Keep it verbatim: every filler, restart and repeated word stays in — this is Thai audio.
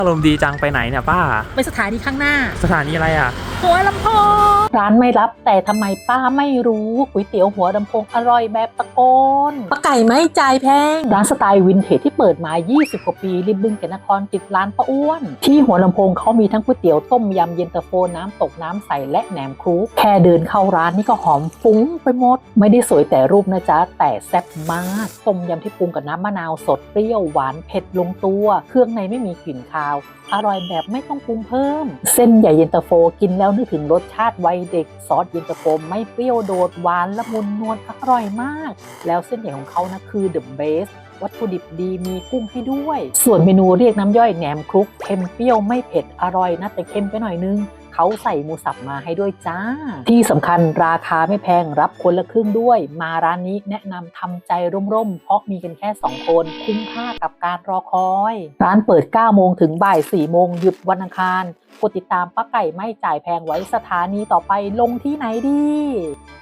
อารมณ์ดีจังไปไหนเนี่ยป้าไปสถานีข้างหน้าสถานีอะไรอ่ะหัวลำโพงร้านไม่รับแต่ทำไมป้าไม่รู้ก๋วยเตี๋ยวหัวลำโพงอร่อยแบบตะโกนป้าไก่ไม่จ่ายแพงร้านสไตล์วินเทจที่เปิดมา ยี่สิบ กว่าปีริมบึงแก่นนครติดร้านป้าอ้วนที่หัวลำโพงเขามีทั้งก๋วยเตี๋ยวต้มยำเย็นตาโฟน้ำตกน้ำใสและแหนมครุกแค่เดินเข้าร้านนี่ก็หอมฟุ้งไปหมดไม่ได้สวยแต่รูปนะจ๊ะแต่แซ่บมากต้มยำที่ปรุงกับน้ำมะนาวสดเปรี้ยวหวานเผ็ดลงตัวเครื่องในไม่มีกลิ่นคาวอร่อยแบบไม่ต้องปรุงเพิ่มเส้นใหญ่เย็นตาโฟกินแล้วนึกถึงรสชาติวัยเด็กซอสเย็นตาโฟไม่เปรี้ยวโดดหวานละมุนนวลอร่อยมากแล้วเส้นใหญ่ของเขานะคือเดอะเบสวัตถุดิบดีมีกุ้งให้ด้วยส่วนเมนูเรียกน้ำย่อยแหนมครุกเค็มเปรี้ยวไม่เผ็ดอร่อยนะแต่เค็มไปหน่อยนึงเขาใส่หมูสับมาให้ด้วยจ้าที่สำคัญราคาไม่แพงรับคนละครึ่งด้วยมาร้านนี้แนะนำทำใจร่มๆเพราะมีกันแค่สองคนคุ้มค่ากับการรอคอยร้านเปิดเก้าโมงถึงบ่ายสี่โมงหยุดวันอังคารกดติดตามป้าไก่ไม่จ่ายแพงไว้สถานีต่อไปลงที่ไหนดี